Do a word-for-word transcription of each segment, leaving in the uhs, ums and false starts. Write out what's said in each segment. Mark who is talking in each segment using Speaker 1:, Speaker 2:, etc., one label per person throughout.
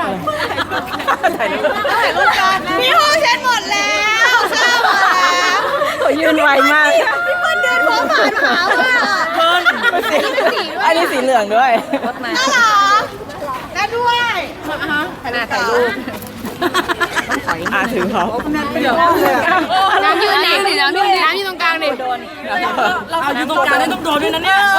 Speaker 1: ถ่ายรูปถ่ายรูปกันพี่โฮเช็ดหมดแล้วข้าวหมดแล้วเขายืนไวมากพี่เปิ้ลเดินหัวผ่านหาวอ่ะเปิ้ลอันนี้สีเหลืองด้วยน่ารักแล้วด้วยขนาดถ่ายรูปอ่าถือเขา
Speaker 2: น้ำยืนดิน้ำยืนน้ำยืนตรงกลางดิ
Speaker 1: เอาอยู่ตรงกลางได้ต้องโดนด้วยนะเนี่ย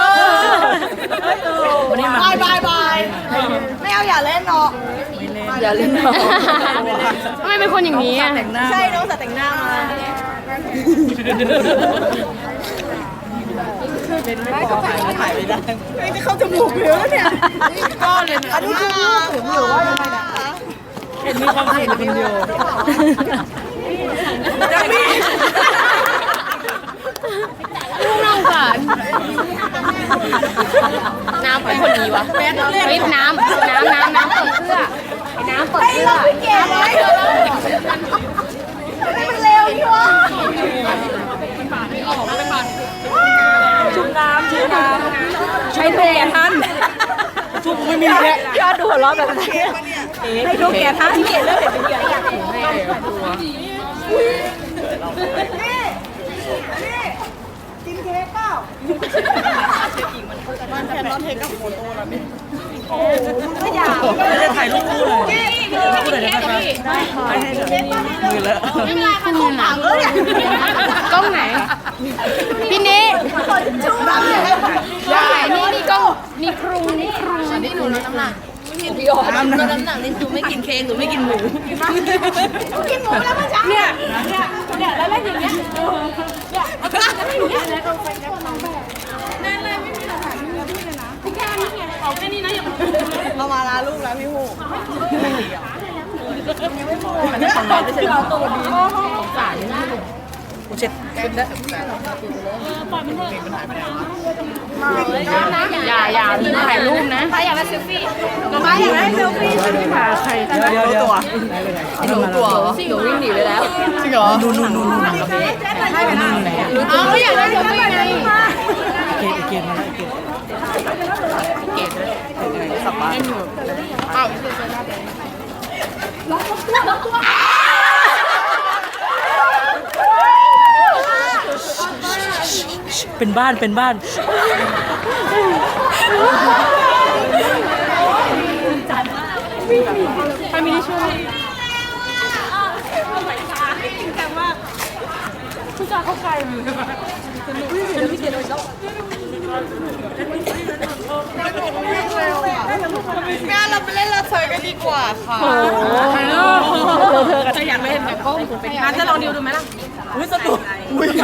Speaker 1: บายบายบายไม่เอาอย่าเล่นเนาะอย่าเล่นเนาะ
Speaker 2: ทำไมเป็นคนอย่างนี้อ่ะ
Speaker 1: ใช่น้องสัตว์แต่งหน้ามาเป็นไม่พอถ่ายถ่ายไม่ได้ไม่จะเข้าจมูกเหลือเนี่ยก้อนเลยอันนี้คือผมอยู่ว่ายังไงนะคะเห็นมีความเห็นคนเดียวจะมี
Speaker 2: ลูกน้องค่ะน้ำเป็นคนดีวะเฮ้ยน้ำน้ำน้ำน้ำเปิดเสื้อน้ำเปิดเสื้อ
Speaker 1: เก็บไว้มันเร็วพี่วะชุบน้ำชุบน้ำใช้ดูแกท่านชุบไม่มีแค่ยอดดูหัวเราะแบบนี้ให้ดูแกท่านที่เห็นเรื่องแบบนี้อยากให้นี่นี่กินเค้กเปล่ามันแค่นอนเทกับโฟโต้แล้วนี่โอ้ไม่อยากจะถ่ายรูปคู่เลยคู่เลยนะครับได้ค่ะให้เดี๋ยวมือเลอะ
Speaker 2: ไม่เป็นไรค่ะกล้องหลังเออเนี่ยกล้องไหนพี่นี้
Speaker 1: ชูบ้างเลย
Speaker 2: นี่นี่กล้องนี่ครุงนี่ครุงนี่หนูลดน้ำหนัก
Speaker 1: พี่อ๋อลดน้ำหนักนี่หนูไม่กินเค้กหนูไม่กินหมูกินหมูแล้วเมื่อเช้าเนี่ยเนี่ยเนี่ยแล้วแล้วอย่างเงี้ยเนี่ยแล้วอย่างเงี้ยแล้วไปแล้วน้องแบบนั่นเลยไม่มีหลักฐานไม่มีพี่เลยนะพี่แค่นี้ไงเอาแค่นี้นะอย่าเรามาลาลูกแล้วพี่ฮูยังไม่พอมันจะของเราไม่ใช่เราตัวดีสารนี่กูเช็ดเช็ดได้ปล่อยมันเถอะ
Speaker 2: อย่าอย่าถ่ายรูปนะ
Speaker 1: ใครอยากได้เซลฟี่ใครอยากได้เซลฟี่ค่ะใครเดี๋ยวเดี๋ยวตัวหนูตัว
Speaker 2: หนูวิ่งหนีเลยแล้ว
Speaker 1: จริงเหรอนู่นนู่นนู่นนู่นใช่ไหมนู่นไหน
Speaker 2: อ๋ออยากได้เซลฟี่ไง
Speaker 1: เกตเกตมาแล้วเกตเกตด้วยสับปะอ้าวเป็นบ้านเป็นบ้านใครมีที่ช่วยผู้ชายเข้าใกล้มือพี่เกดแล้วงานเราไปเล่นละเซยกันดีกว่าค่ะเธอจะอยากเล่นแบบก็งานจะลองดิวดูไหมล่ะอุ้ยสนุกอุ้ย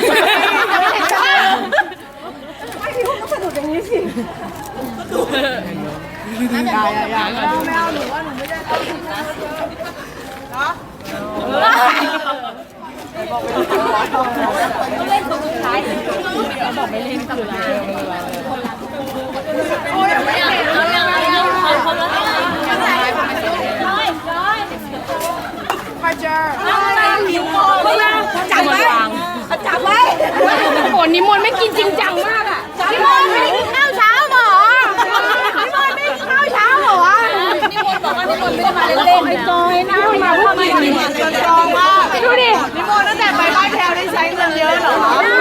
Speaker 1: ไม่พี่พวกก็สนุกอย่างนี้สิสนุกอย่าอย่าอย่าไม่เอาหนูว่าหนูไม่ได้ต้องผิดนะเนาะเล่นคนสุดท้ายบอกไม่เล่นคืออะไรโอ้ยไม่เอาไม่เอาไม่เอาคนละมาเจอหิวจับไว้จับไว้
Speaker 2: โหนิมนต์ไม่กินจริงจังมากอ่ะ
Speaker 1: นิมนต์ไม่กินข้าวเช้าหรอนิมนต์ไม่กินข้าวเช้าหรอนิมนต์บอกว่านิมนต์ไม่ได้มาเล่นๆไอ้จอยนะมาพูดมานิมนต์จองมาก
Speaker 2: ดูดิ
Speaker 1: นิมนต์ตั้งแต่ไปบ้านแพรได้ใช้เงินเยอะเหรอ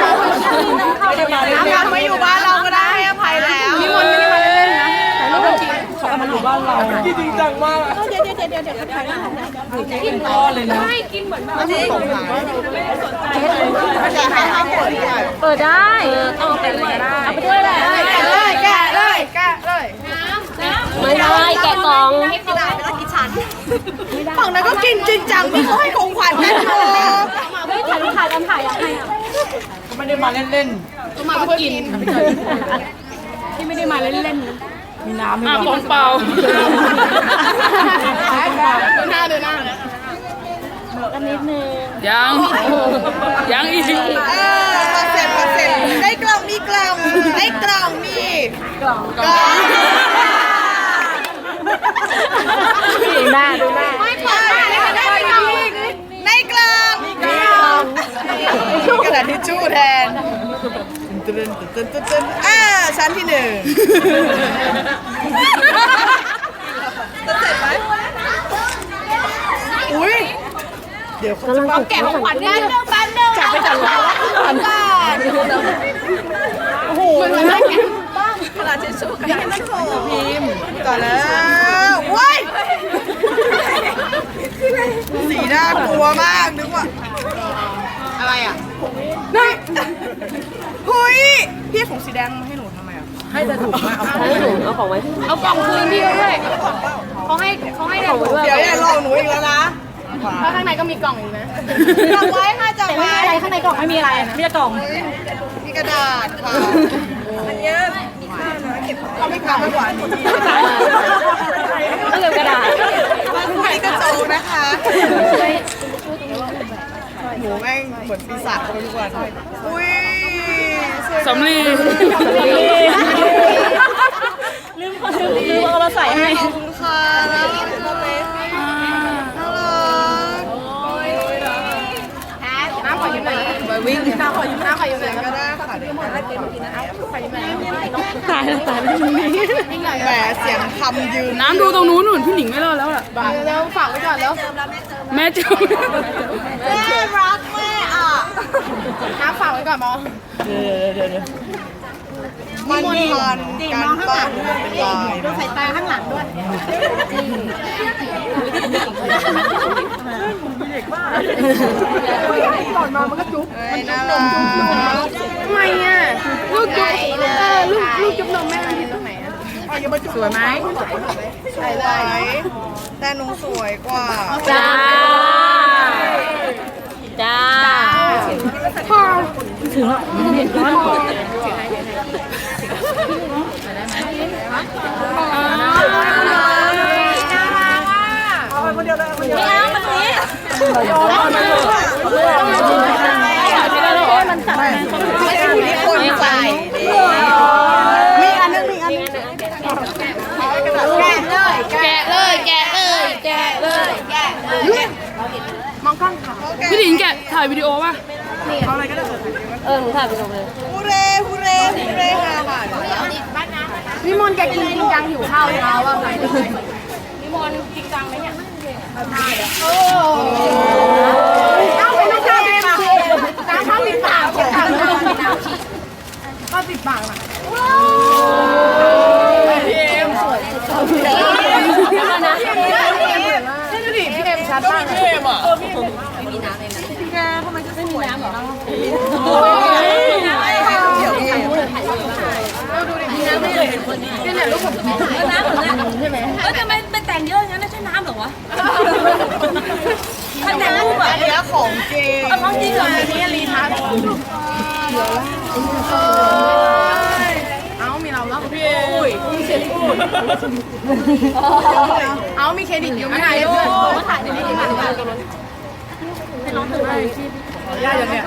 Speaker 1: น้ำมาอยู่บ้านเราก็ได้ให้อภัยแล้ว
Speaker 2: นิมนต์ไม่ได้มาเล่นๆนะแต่ลูกจริง
Speaker 1: เขาเอามาอยู่บ้านเราจริงจังมากเดี๋ยวเดี๋ยวเดี๋ยวเดี๋ยวถ่ายได้กินก้อนเลยนะ
Speaker 2: ไม่กินเหมือนแบบ
Speaker 1: จริงเปิดได้
Speaker 2: เอาไปเลยได้เอาไปด้วยแหละ
Speaker 1: แกะเลยแกะเลย
Speaker 2: ไม่ได้แกะกอง
Speaker 1: ไม่ได้ไม่ต้องกินชั้นฝั่งนั้นก็กินจริงจังพี่เขาให้ของขวัญแม่โต
Speaker 2: เฮ้ยถ่ายถ่ายกันถ่ายอะไรอ่ะ
Speaker 1: ไม่ได้มาเล่น
Speaker 2: ๆต้องมาเพื่อกินที่ไม่ได้มาเล่น
Speaker 1: ๆมีน้ำมี
Speaker 2: กองเปล่า
Speaker 1: ดูหน้าดูหน้า
Speaker 2: กันนิดนึง
Speaker 3: ยังยังอีก
Speaker 1: เออเสร็จเสร็จได้กล่องมีกล่องได้กล่องมีกล่องกล่อง
Speaker 2: ดูหน้าดูหน้า
Speaker 1: ไม่พอได้กล่องได้กล่องมีกล่องกระดาษทิชชู่แทนตึ๊ดตึ๊ดตึ๊ดตึ๊ดอ่าชั้นที่หนึ่งจะเสร็จไหมเดี๋ยวเขาจะมาแกะของขวัญนิดนึงแป๊บนึงจับไปจับแล้วก่อนโอ้โหมันน่ากินบ้างกระดาษทิชชู่อยากให้มันโผล่พิมพ์ก่อนแล้วว้ายสีน่ากลัวมากนึกว่าอะไรอ่ะนี่เฮ้ยพี่ของสีแดงมาให้หนูทำไมอ่ะให้แต่ถุงมาเอาให้หนูเอาของไว้เอากล่องคืนพี่ด้วยเขาให้เขาให้ของด้วยเดี๋ยวอย่าลองหนูอีกแล้วนะเพราะข้างในก็มีกล่องอีกนะจับไว้ค่ะจับไว้อะไรข้างในกล่องไม่มีอะไรนะมีแต่กล่องมีกระดาษค่ะอันนี้มีค่านะเก็บเราไม่กลับไปกว่านี้ต้องเก็บกระดาษมีกระจกนะคะหนูแม่งเหมือนปีศาจทุกวันอุ้ย
Speaker 3: สำลี
Speaker 1: ลืมลืมลืมเอามาใส่ให้ขอบคุณค่ะแล้วน่ารักน้ำขอยืมหน่อยไปวิ่งน้ำขอยืมน้ำขอยืมหน่อยก็ได้ค่ะที่หมดแล้วกินกินน้ำขอยืมหน่อยตายแล้วตายแล้วแหมเสียงคำยืน
Speaker 3: น้ำดูตรงนู้นหนุนพี่หนิงไม่รอดแล้วอ่ะ
Speaker 1: แล้วฝากไว้ก่อนแล้ว
Speaker 3: แม่จู
Speaker 1: แม่รักแม่อ่ะน้ำฝากไว้ก่อนมอเดี๋ยวเดี๋ยวเดี๋ยวมันทันการบ้านเป็นลายดูสายตาข้างหลังด้วยก่อนมามันก็จุ๊บมันจุ๊บนมทำไมอ่ะลูกจุ๊บเออลูกลูกจุ๊บนมแม่มันผิดตรงไหนอ่ะ
Speaker 3: สวยไหม
Speaker 1: ใช่เลยแต่หนูสวยกว่า
Speaker 2: จ้าจ้า
Speaker 1: พอถึงแล้วเห็นร้อนพอคนเดียวเลยคนเดียวไม่เอามันนี้มันสั่งไม่ใช่ที่คนใส่มีอันนึงมีอันนึงแกะเลยแกะเลยแกะเลยแกะเลยมองกล้องค่ะ
Speaker 3: พี่หนิงแกะถ่ายวิดีโอป่ะ
Speaker 1: เอาอะไรก็ได้
Speaker 2: เออหนูถ่ายวิดีโอเลย
Speaker 1: ฮูเร่ฮูเร่ฮูเร่ค่ะค่ะพี่มนแกกินจริงจังหิวข้าวเช้าอ่ะพี่มนจริงจังไหมเนี่ยโอ้เอาไปลูกค้าเลยค่ะน้ำข้าวติดปากข้าวข้าวติดปากอ่ะพี่เอ็มสวยพี่เอ็มนะพี่ดูดิพี่เอ็มชัดมากพี่เอ็มอ่ะไม่มีน้ำเลยนะพี่แกทำไมจะไม่มีน้ำหรอเดี๋ยวพี่ดูดิน้ำไม่เลยเห็นคนนี้นี่แหละลูกผมน้ำเหรอใช่ไหมแล้วทำไมเป็นแต่งเยอะงั้นไม่ใช่น้ำหรอวะถ้าแต่งรูปแบบนี้ของจริงของจริงเหรออันนี้รีทัชเอามีเราแล้วพี่อุ้ยมีเครดิตเอามีเครดิตอยู่ไม่ไหนด้วยมาถ่ายในนี้ดีกว่าให้น้องถือให้ย่าอย่างเนี้ย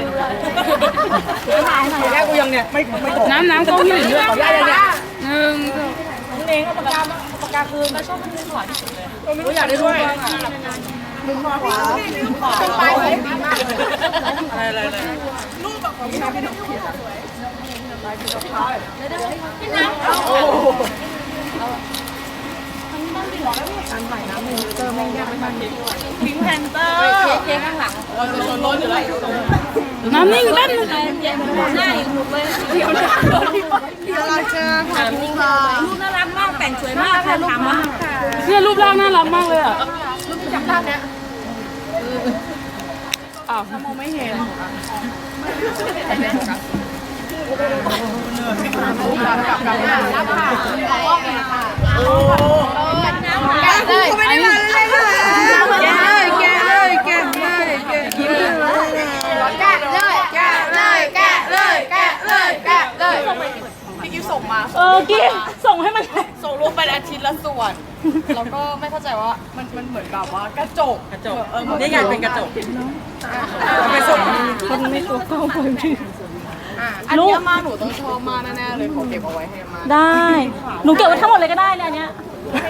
Speaker 1: ย่ากูยังเนี่ยไม่ไม่
Speaker 3: น้ำน้ำกล้องพี่หนิงด้วย
Speaker 1: ย่าอย่างเนี้ย
Speaker 3: หนึ่ง
Speaker 1: คุณเองก็ปากกาปากกาคืนก็ชอบคืนขวาที่สุดเลยกูอยากได้ด้วยมุมขวามุมขวาไปดีมากเลยอะไรอะไรอะไรรูปแบบของพี่น้ำพี่น้ำพี่น้ำพี่น้ำโอ้การใส่น้ำมือเจอแม่งยากไม่ทันพิงแพนเตอร์เค้กข้างหลังเราจะชนล้นอยู่แล้ว
Speaker 3: น้ำนิ่งเล่น
Speaker 2: หน้าอีกหมดเลย
Speaker 1: น่ารักจังค่ะพี่ค่ะ
Speaker 2: รูปน่ารักมากแต่งสวยมากค่ะถามว่า
Speaker 3: เนี่ยรูปร่างน่ารักมากเลยอ่ะ
Speaker 1: รูปจำได้เนี้ย
Speaker 3: อ้าว
Speaker 1: มองไม่เห็นกับกับหน้ารับค่ะขอว่าเป็นค่ะโอ้แกะเลยไม่ได้มาเลยเลยแกะเลยแกะเลยแกะเลยแกะยิ้มเลยแกะเลยแกะเลยแกะเลยแกะเลยแกะเลยพี่กิ๊ฟส่งมา
Speaker 2: เออกิ๊ฟส่งให้มัน
Speaker 1: ส่งรูปไปอาทิตย์ละส่วนแล้วก็ไม่เข้าใจว่ามันมันเหมือนแบบว่ากระจก
Speaker 3: กระจก
Speaker 1: เออนี่ไงเป็นกระจก
Speaker 3: ไปส่ง
Speaker 2: คนไม่ตัวเข้าไปพี่
Speaker 1: อันนี้มาหนูต้องชอบมากแน่ๆเลยขอเก็บเอาไว้ให้มา
Speaker 2: ได้หนูเก็บไว้ทั้งหมดเลยก็ได้เลยอันเนี้ย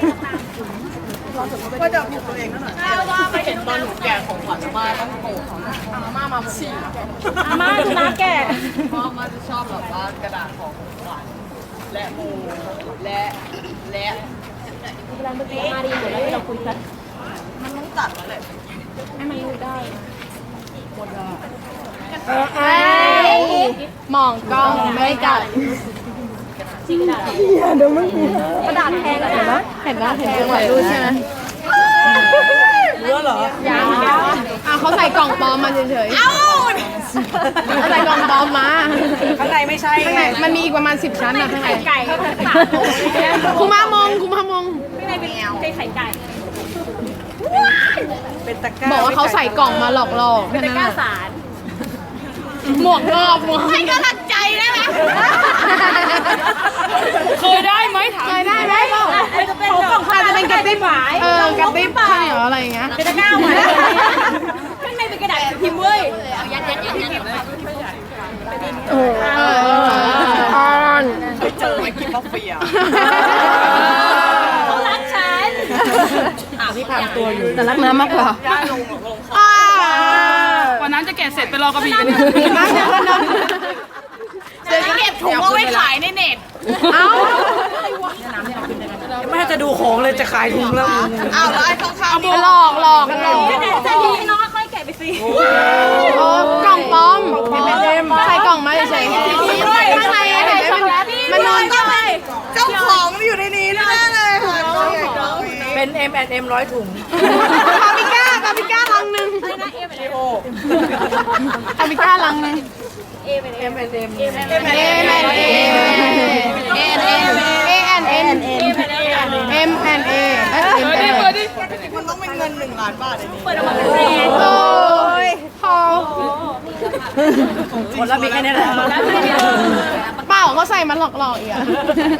Speaker 1: ว่าจะผิดตัวเองนั่นแหละว่าไปเห็นตอนหนูแกะของขวัญมาต้องโกรธอาม่ามาฉี่
Speaker 2: อาม่าจะน้าแกะ
Speaker 1: พ่อมาจะชอบแบบว่ากระดาษของขวัญและมูและและ
Speaker 2: เวลาเมื่อกี้มาดีหมดแล้วเราคุยกัน
Speaker 1: มันต้องตัดแล้วแหละ
Speaker 2: มองกล้องไม่กัดกระดาษแทงเห็นไหมเห็นไหมเห็นจังหวะดูใช่ไหม
Speaker 1: เนื้อเหรอ
Speaker 2: ยังอ่ะเขาใส่กล่องปลอมมาเฉยๆเอ้าเขาใส่กล่องปลอมมา
Speaker 1: ข้างในไม่ใช่
Speaker 2: ข้างในมันมีอีกประมาณสิบชั้นอะข้างในไก่คุณมามองคุณมามอง
Speaker 1: เป็นตะกร้า
Speaker 2: บอกว่าเขาใส่กล่องมาหลอกหลอกเป็นตะกร้าสารหมวกงอบหมวกให้กำลังใจได้ไหม
Speaker 3: เคยได้ไหมถาม
Speaker 2: เคยได้ไหมบอกอาจจะเป็นกระติบเออกระติบข้าวเหนียวอะไรอย่างเงี้ยเป็นตะกร้าหมดข้างในเป็นกระดาษพิมพ์เว้ยยัดยัดยัดยัดโอ้ออน
Speaker 1: ไปเจอไอ้กินท็อฟฟี่อ่ะ
Speaker 2: เขารักฉัน
Speaker 1: ที่พังตัวอยู่
Speaker 2: แต่รักน้ำมากกว่า
Speaker 3: วันนั้นจะแกะเสร็จไปรอกระบี่กัน
Speaker 2: น้ำจะวันนั้น
Speaker 3: จะเก็บถุงเอาไว้ขายในเน็ต
Speaker 2: เอ้า
Speaker 1: ไม่ให้จะดูของเลยจะขายถุงแล้วอ้าวแล้วไอ้ข้างๆ
Speaker 2: หลอกหลอกหลอกจะดีน้องค่อยแกะไปสิโอ้กล่องปลอมใส่กล่องมาเฉยๆข้างในเห็นไหมมันนอนก็ไป
Speaker 1: เจ้าของอยู่ในนี้แน่เลยค่ะเป็น เอ็ม แอนด์ เอ็ม ร้อยถุง
Speaker 2: คาปิก้าคาปิก้าลังหนึ่ง
Speaker 1: จีโอ
Speaker 2: คาปิก้าลังหนึ่ง
Speaker 1: เอ็ม แอนด์ เอ็ม
Speaker 2: เอแอนเอเอแอนเอแอนเอเอ็มแอนเอเอ็มแอนเอ
Speaker 3: เปิดดิ
Speaker 1: มันต้องเป็นเงินหนึ่งล้านบาทเลยนี่
Speaker 2: โอ้ยพอ
Speaker 1: คนละมีแค่นี้แหละ
Speaker 2: เปล่าเขาใส่มันหลอกๆอีกอะ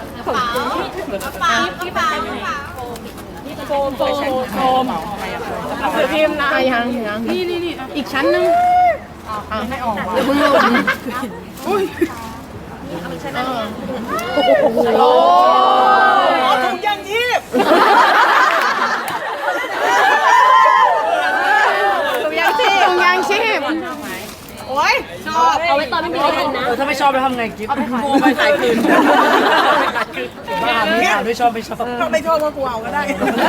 Speaker 2: พิมพ์นะยังยังนี่นี่นี่อีกชั้นนึงไม่ออกเดี๋ยวมึงลงอุ้ยโอ้
Speaker 1: ถุงยางชีพ
Speaker 2: ถุงยางชีพถุงยางชีพ
Speaker 1: โอ้ยชอบเอาไว้ตอนไม่มีอะไรกินนะถ้าไม่ชอบแล้วทำไงกิ๊บกูไปขายคืนบ้าไม่อ่านไม่ชอบไม่ชอบไม่ชอบก็กูเอาก็ได้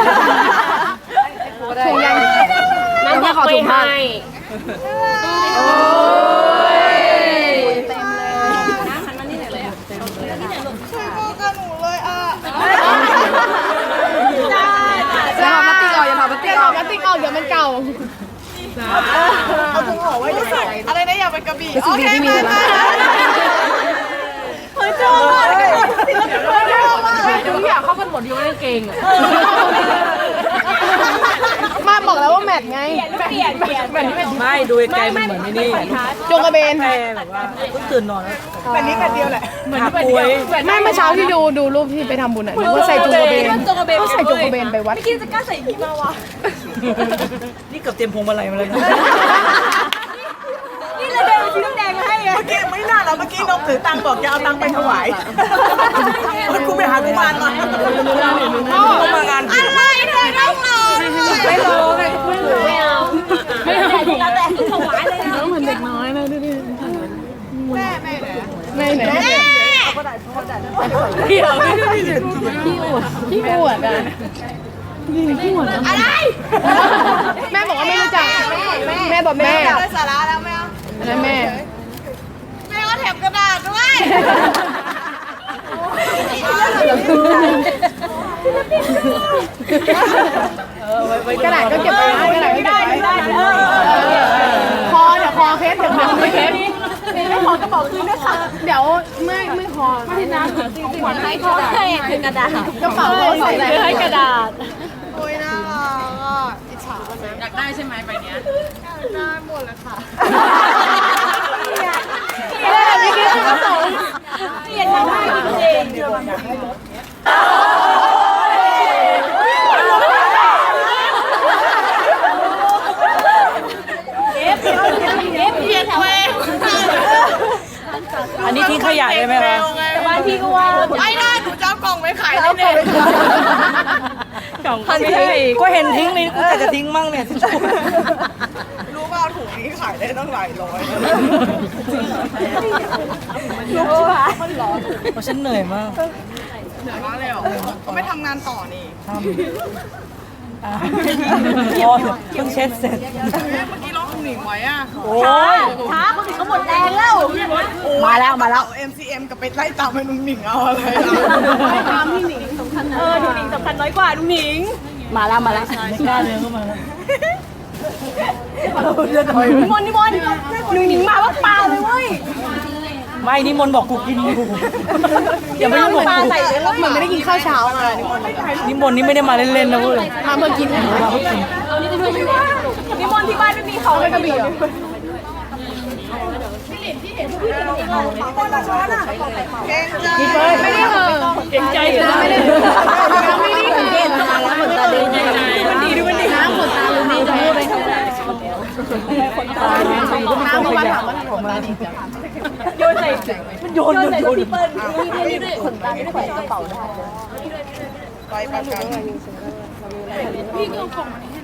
Speaker 2: ถุงยาง
Speaker 1: น้ำขอถุงผ้า
Speaker 2: โอ้ย
Speaker 1: อย่าทำมาติ๊กออกอย่าทำมาติ๊กออก
Speaker 2: มาติ๊กออกเดี๋ยวมันเก่า
Speaker 1: เอาถุงห่อไว้รู้สึกอะไรนะอยากเป็นกระบี่โอเคมาเฮ้ยชอบ
Speaker 3: ทุกอย่างเข้ากันหมดอยู่ในเกงอ่ะ
Speaker 2: มาบอกแล้วว่าแมทไง
Speaker 1: ไม่ดูไกลมันเหมือนไม่นี่
Speaker 2: จงกระเบน
Speaker 1: แม่แบบว่าเพิ่งตื่นนอนแล้วแบบนี้แบบเดียวแหละเหมือนป่วย
Speaker 2: แม่เมื่อเช้าที่ดูดูรูปที่ไปทำบุญอ่ะนึกว่าใส่จงกระเบนก็ใส่จงกระเบนไปวัด
Speaker 1: นี่เกือบเตรียมพวงมาลัยมาเลยนะ
Speaker 2: นี่เลยเดินซื้อน้ำแดงมาให้ไง
Speaker 1: เมื่อกี้ไม่น่าแล้วเมื่อกี้นกถือตังค์บอกจะเอาตังค์ไปถวายมันกูไปหากุมารมากุมางานอะไรเธอต้องรอไม่รอไงไม่เอาไม่เอาเราแต่ถวายเลยนะ
Speaker 2: น้องเหมือนเด็กน้อยเลยดูดิ
Speaker 1: แม่แม่
Speaker 2: แม่ไหน
Speaker 1: เดี๋ยวไม่ได้
Speaker 2: พี่อวดอ่ะพี่อวดอะไรแม่บอกว่าไม่รู้จักแม่บอกแม่
Speaker 1: ได้สาระแล้วแม่
Speaker 2: แล้วแม่
Speaker 1: แม่ก็แถมกระดาษด้วย
Speaker 2: กระดาษก็เก็บไว้นะกระดาษก็เก็บไว้คอเดี๋ยวคอเคสเดี๋ยวคอไม่เคสไม่คอก็บอกคืนด้วยค่ะเดี๋ยวเมื่อยเมื่อยคอไม่น้ำของขวัญให้คอให้คือกระดาษกระเป๋าใส่อะไรให้กระดาษ
Speaker 1: โอ้ยน่ารักอ่ะอิจฉาคนนะ
Speaker 3: อยากได้ใช่ไหมใบเนี้ย
Speaker 1: ได้หมดเลยค่ะ
Speaker 2: เออไม่คิดถึงกระเป๋าเปลี่ยนมาให้จริง
Speaker 1: อันนี้ทิ้งขยะได้ไหมคะบ้านพี่ก็ว่าไม่ได้หนูจะเอากล่องไว้ขายในเน็ตกล่องก็ไม่ให้ก็เห็นทิ้งนี่กูแต่จะทิ้งมั่งเนี่ยรู้ว่าถุงนี้ขายได้ตั้งหลายร้อยรู้ป่ะเพราะฉันเหนื่อยมากเหนื่อยมากเลยเหรอก็ไม่ทำงานต่อนี่ทำโอ้ยเพิ่งเช็ดเสร็จ
Speaker 3: เมื่อกี้ร้องหนิงไว้อ่ะ
Speaker 1: โอ้ย
Speaker 2: ช้าคนอื่นเขาหมดแรงแล้ว
Speaker 1: มาแล้วมาแล้ว
Speaker 3: เอ็มซีเอ็มกับไปไล่ตามไปนุ่งหนิงเอาอะไร
Speaker 2: ตามพี่หนิงสำคัญนะเออดูหนิงสำคัญน้อยกว่าดูหนิง
Speaker 1: มาแล้วมาแล้วกล้าเดินเข้ามาแล้ว
Speaker 2: นิมนต์นิมนต์หนูหนิงมาว่าปลาเลยเว้ย
Speaker 1: ไม่นิมนต์บอกกูกินอยู่อย่าไปยุ่งกับ
Speaker 2: ปลา
Speaker 1: กู
Speaker 2: ใส่เลยแล้วเหมือนไม่ได้กินข้าวเช้ามานิมนต์
Speaker 1: นิมนต์นี่ไม่ได้มาเล่นๆนะเว้ย
Speaker 2: มาเมื่อกิน
Speaker 1: มาเพื่อกิน
Speaker 2: นิมนต์ที่บ้านไม่มีเขาเลยกระบี่เหรอ
Speaker 1: กินเฟิร์น
Speaker 2: ไม่ได้เหรอ
Speaker 1: เก่งใจอยู่นะ
Speaker 2: ไม่ได้เหรอไม่ได้เหรอ
Speaker 1: เก่งมาแล้วเหมือนตาดีมันดีด้วยมันดี
Speaker 2: น้ำขนตาลุงนี่จะพูดเลยขนตาน้ำเมื่อวานถามว่าขนตาดีจังโยนใส่
Speaker 1: โยนโยนโยน
Speaker 2: พี่เปิ้ลนี่ด้วยขนตาไม่ได้ใส่กระเป๋าได้
Speaker 3: ไปประกัน
Speaker 2: พี่ก็เอาของมาให้